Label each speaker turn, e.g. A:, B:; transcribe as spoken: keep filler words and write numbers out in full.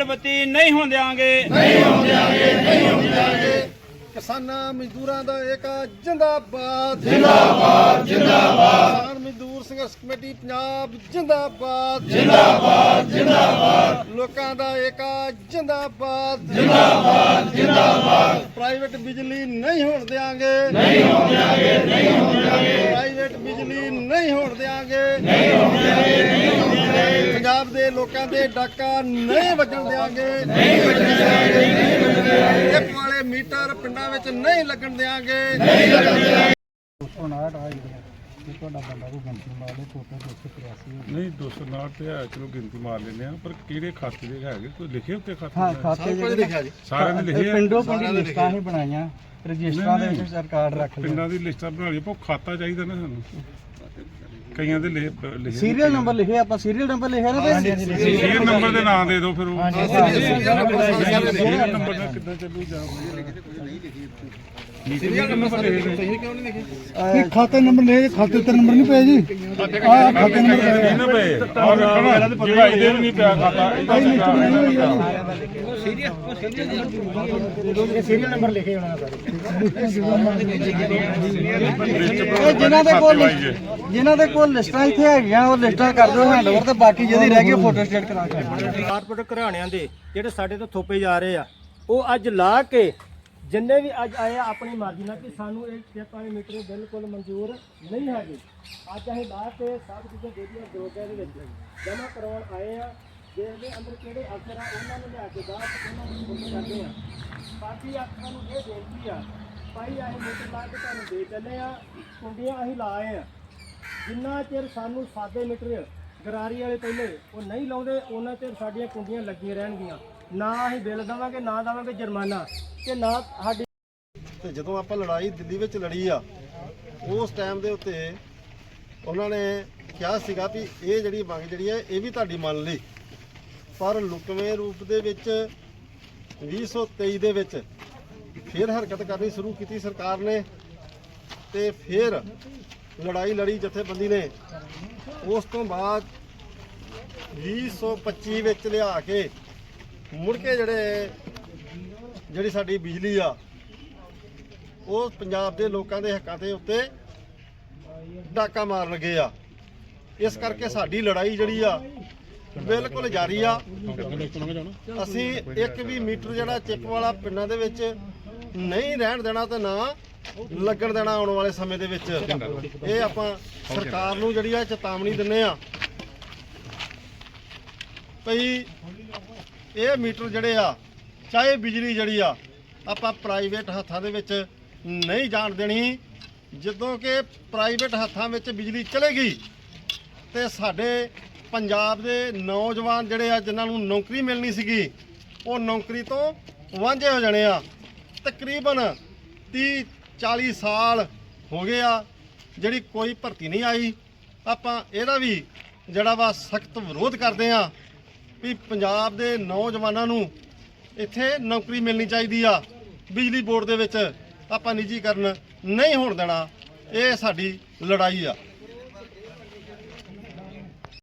A: ਬੱਤੀ ਨਹੀਂ ਹੋਣ ਦਿਆਂਗੇ,
B: ਨਹੀਂ ਹੋਣ ਦਿਆਂਗੇ, ਨਹੀਂ ਹੋਣ ਦਿਆਂਗੇ। ਕਿਸਾਨਾਂ ਮਜ਼ਦੂਰਾਂ ਦਾ ਏਕਾ ਜਿੰਦਾਬਾਦ, ਜਿੰਦਾਬਾਦ, ਜਿੰਦਾਬਾਦ। ਕਿਸਾਨ ਮਜ਼ਦੂਰ ਸੰਘਰਸ਼ ਕਮੇਟੀ ਪੰਜਾਬ ਜਿੰਦਾਬਾਦ, ਜਿੰਦਾਬਾਦ, ਜਿੰਦਾਬਾਦ। ਲੋਕਾਂ ਦਾ ਏਕਾ ਜਿੰਦਾਬਾਦ, ਜਿੰਦਾਬਾਦ, ਜਿੰਦਾਬਾਦ। ਪ੍ਰਾਈਵੇਟ ਬਿਜਲੀ ਨਹੀਂ ਹੋਣ ਦਿਆਂਗੇ, ਨਹੀਂ ਹੋਣ ਦਿਆਂਗੇ, ਨਹੀਂ ਹੋਣ ਦਿਆਂਗੇ। ਪ੍ਰਾਈਵੇਟ ਬਿਜਲੀ ਨਹੀਂ ਹੋਣ ਦਿਆਂਗੇ, ਨਹੀਂ ਹੋਣ ਦਿਆਂਗੇ, ਨਹੀਂ ਹੋਣ ਦਿਆਂਗੇ। ਪੰਜਾਬ ਦੇ ਲੋਕਾਂ ਦੇ ਡਾਕਾ ਨਹੀਂ ਵੱਜਣ ਦਿਆਂਗੇ, ਨਹੀਂ ਵੱਜਣ ਦਿਆਂਗੇ, ਨਹੀਂ ਵੱਜਣ ਦਿਆਂਗੇ। ਇੱਕ ਵਾਲੇ ਮੀਟਰ ਪਿੰਡਾਂ ਵਿੱਚ ਨਹੀਂ ਲੱਗਣ ਦਿਆਂਗੇ, ਨਹੀਂ ਲੱਗਣ ਦਿਆਂਗੇ।
C: ਤੁਹਾਡਾ ਬੰਦਾ ਕੋਈ ਗਿਣਤੀ ਮਾਰ ਲੈ ਫੋਟੋ ਦੋ ਸੌ ਤਰਿਆਸੀ
D: ਨਹੀਂ ਦੋ ਸੌ ਉਨਾਹਠ ਤੇ ਹੈ, ਚਲੋ ਗਿਣਤੀ ਮਾਰ ਲੈਂਦੇ ਆ, ਪਰ ਕਿਹੜੇ ਖਾਤੇ ਦੇ ਹੈਗੇ ਕੋਈ ਲਿਖੇ ਉੱਤੇ ਖਾਤੇ?
C: ਹਾਂ ਖਾਤੇ ਜਿਹੜੇ
B: ਲਿਖਿਆ ਜੀ
D: ਸਾਰਿਆਂ ਨੇ ਲਿਖੇ ਆ।
C: ਪਿੰਡੋਂ ਪਿੰਡੀ ਲਿਸਟਾਂ ਹੀ ਬਣਾਈਆਂ, ਰਜਿਸਟਰਾਂ ਦੇ ਵਿੱਚ ਸਰਕਾਰ ਰੱਖ ਲਈ।
D: ਪਿੰਡਾਂ ਦੀ ਲਿਸਟਾਂ ਬਣਾ ਲਈ, ਪਰ ਖਾਤਾ ਚਾਹੀਦਾ ਨਾ ਸਾਨੂੰ। ਕਈਆਂ ਦੇ ਲਿਖੇ
C: ਸੀਰੀਅਲ ਨੰਬਰ ਲਿਖੇ, ਆਪਾਂ ਸੀਰੀਅਲ ਨੰਬਰ ਲਿਖਿਆ ਨਾ ਭਾਈ।
D: ਸੀਰੀਅਲ ਨੰਬਰ ਦੇ ਨਾਂ ਦੇ ਦਿਓ ਫਿਰ ਉਹ
C: ਸੀਰੀਅਲ
D: ਨੰਬਰ ਨਾਲ ਕਿੱਦਾਂ ਚੱਲੂ ਜਾ
C: ਖਾਤੇ ਨੰਬਰ ਲੈ, ਖਾਤੇ ਤੇ ਨੰਬਰ ਨਹੀਂ ਪਿਆ ਜੀ। ਆ ਖਾਤੇ ਨੰਬਰ
D: ਨਾ ਪਏ ਔਰ ਜਿਹੜਾ ਇਹਦੇ ਵੀ ਨਹੀਂ ਪਿਆ ਖਾਤਾ,
C: ਸੀਰੀਅਲ ਨੰਬਰ ਲਿਖੇ ਹੋਣਾ ਜਿਨ੍ਹਾਂ ਦੇ ਕੋਲ ਜਿਨ੍ਹਾਂ ਦੇ ਕੋਲ ਲਿਸਟਾਂ ਇੱਥੇ ਹੈਗੀਆਂ ਉਹ ਲਿਸਟਾਂ ਕਰ ਦਿਓ ਹੈਂਡਓਵਰ, ਤੇ ਬਾਕੀ ਜਿਹਦੀ ਰਹਿ ਗਈ ਫੋਟੋ ਸਟੇਟ ਕਰਾ ਕੇ।
E: ਕਾਰਪੋਰੇਟ ਘਰਾਣਿਆਂ ਦੇ ਜਿਹੜੇ ਸਾਡੇ ਤੋਂ ਥੋਪੇ ਜਾ ਰਹੇ ਆ, ਉਹ ਅੱਜ ਲਾ ਕੇ ਜਿੰਨੇ ਵੀ ਅੱਜ ਆਏ ਆ ਆਪਣੀ ਮਰਜ਼ੀ ਨਾਲ ਕਿ ਸਾਨੂੰ ਇਹ ਚੈੱਕ ਵਾਲੇ ਮੀਟਰ ਬਿਲਕੁਲ ਮਨਜ਼ੂਰ ਨਹੀਂ ਹੈਗੇ। ਅੱਜ ਅਸੀਂ ਲਾ ਕੇ ਸਭ ਚੀਜ਼ਾਂ ਜਿਹੜੀਆਂ ਦੋਗੇ ਦੇ ਵਿੱਚ ਜਮ੍ਹਾਂ ਕਰਵਾਉਣ ਆਏ ਆ। ਜਿਹਦੇ ਅੰਦਰ ਕਿਹੜੇ ਅਫਸਰ ਆ ਉਹਨਾਂ ਨੂੰ ਲਿਆ ਕੇ ਬਾਹਰ ਉਹਨਾਂ ਨੂੰ ਫੋਨ ਕਰਦੇ ਆ। ਬਾਕੀ ਆਪਾਂ ਨੂੰ ਇਹ ਬੇਨਤੀ ਆ ਭਾਈ, ਅਸੀਂ ਮੀਟਰ ਲਾ ਕੇ ਤੁਹਾਨੂੰ ਦੇ ਚੱਲੇ ਆ, ਕੁੰਡੀਆਂ ਅਸੀਂ ਲਾਏ ਆ। ਜਿੰਨਾ ਚਿਰ ਸਾਨੂੰ ਸਾਦੇ ਮੀਟਰ ਗਰਾਰੀ ਵਾਲੇ ਪਹਿਲੇ ਉਹ ਨਹੀਂ ਲਾਉਂਦੇ, ਉਹਨਾਂ ਚਿਰ ਸਾਡੀਆਂ ਕੁੰਡੀਆਂ ਲੱਗੀਆਂ ਰਹਿਣਗੀਆਂ। ਨਾ ਅਸੀਂ ਬਿੱਲ ਦੇਵਾਂਗੇ, ਨਾ ਦੇਵਾਂਗੇ ਜੁਰਮਾਨਾ, ਤੇ ਨਾ ਸਾਡੀ।
B: ਤੇ ਜਦੋਂ ਆਪਾਂ ਲੜਾਈ ਦਿੱਲੀ ਵਿੱਚ ਲੜੀ ਆ, ਉਸ ਟਾਈਮ ਦੇ ਉੱਤੇ ਉਹਨਾਂ ਨੇ ਕਿਹਾ ਸੀਗਾ ਵੀ ਇਹ ਜਿਹੜੀ ਮੰਗ ਜਿਹੜੀ ਹੈ ਇਹ ਵੀ ਤੁਹਾਡੀ ਮੰਨ ਲਈ, ਪਰ ਲੁਕਵੇਂ ਰੂਪ ਦੇ ਵਿੱਚ ਵੀਹ ਸੌ ਤੇਈ ਦੇ ਵਿੱਚ ਫਿਰ ਹਰਕਤ ਕਰਨੀ ਸ਼ੁਰੂ ਕੀਤੀ ਸਰਕਾਰ ਨੇ, ਤੇ ਫਿਰ ਲੜਾਈ ਲੜੀ ਜਥੇਬੰਦੀ ਨੇ। ਉਸ ਤੋਂ ਬਾਅਦ ਵੀਹ ਸੌ ਪੱਚੀ ਵਿੱਚ ਲਿਆ ਕੇ ਮੁੜ ਕੇ ਜਿਹੜੇ ਜਿਹੜੀ ਸਾਡੀ ਬਿਜਲੀ ਆ ਉਹ ਪੰਜਾਬ ਦੇ ਲੋਕਾਂ ਦੇ ਹੱਕਾਂ ਦੇ ਉੱਤੇ ਡਾਕਾ ਮਾਰਨ ਲੱਗੇ ਆ। ਇਸ ਕਰਕੇ ਸਾਡੀ ਲੜਾਈ ਜਿਹੜੀ ਆ ਬਿਲਕੁਲ ਜਾਰੀ ਆ। ਅਸੀਂ ਇੱਕ ਵੀ ਮੀਟਰ ਜਿਹੜਾ ਚਿੱਪ ਵਾਲਾ ਪਿੰਡਾਂ ਦੇ ਵਿੱਚ ਨਹੀਂ ਰਹਿਣ ਦੇਣਾ ਤੇ ਨਾ ਲੱਗਣ ਦੇਣਾ ਆਉਣ ਵਾਲੇ ਸਮੇਂ ਦੇ ਵਿੱਚ। ਇਹ ਆਪਾਂ ਸਰਕਾਰ ਨੂੰ ਜਿਹੜੀ ਆ ਚੇਤਾਵਨੀ ਦਿੰਨੇ ਆ ਭਈ ਇਹ ਮੀਟਰ ਜਿਹੜੇ ਆ, ਚਾਹੇ ਬਿਜਲੀ ਜਿਹੜੀ ਆ ਆਪਾਂ ਪ੍ਰਾਈਵੇਟ ਹੱਥਾਂ ਦੇ ਵਿੱਚ ਨਹੀਂ ਜਾਣ ਦੇਣੀ। ਜਦੋਂ ਕਿ ਪ੍ਰਾਈਵੇਟ ਹੱਥਾਂ ਵਿੱਚ ਬਿਜਲੀ ਚਲੇਗੀ ਤੇ ਸਾਡੇ ਪੰਜਾਬ ਦੇ ਨੌਜਵਾਨ ਜਿਹੜੇ ਆ ਜਿਨ੍ਹਾਂ ਨੂੰ ਨੌਕਰੀ ਮਿਲਣੀ ਸੀਗੀ ਉਹ ਨੌਕਰੀ ਤੋਂ ਵਾਂਝੇ ਹੋ ਜਾਣੇ ਆ। ਤਕਰੀਬਨ ਤੀਹ ਚਾਲੀ ਸਾਲ ਹੋ ਗਏ ਆ ਜਿਹੜੀ ਕੋਈ ਭਰਤੀ ਨਹੀਂ ਆਈ। ਆਪਾਂ ਇਹਦਾ ਵੀ ਜਿਹੜਾ ਵਾ ਸਖਤ ਵਿਰੋਧ ਕਰਦੇ ਆ ਵੀ ਪੰਜਾਬ ਦੇ ਨੌਜਵਾਨਾਂ ਨੂੰ ਇੱਥੇ ਨੌਕਰੀ ਮਿਲਣੀ ਚਾਹੀਦੀ ਆ। ਬਿਜਲੀ ਬੋਰਡ ਦੇ ਵਿੱਚ ਆਪਾਂ ਨਿੱਜੀਕਰਨ ਨਹੀਂ ਹੋਣ ਦੇਣਾ। ਇਹ ਸਾਡੀ ਲੜਾਈ ਆ।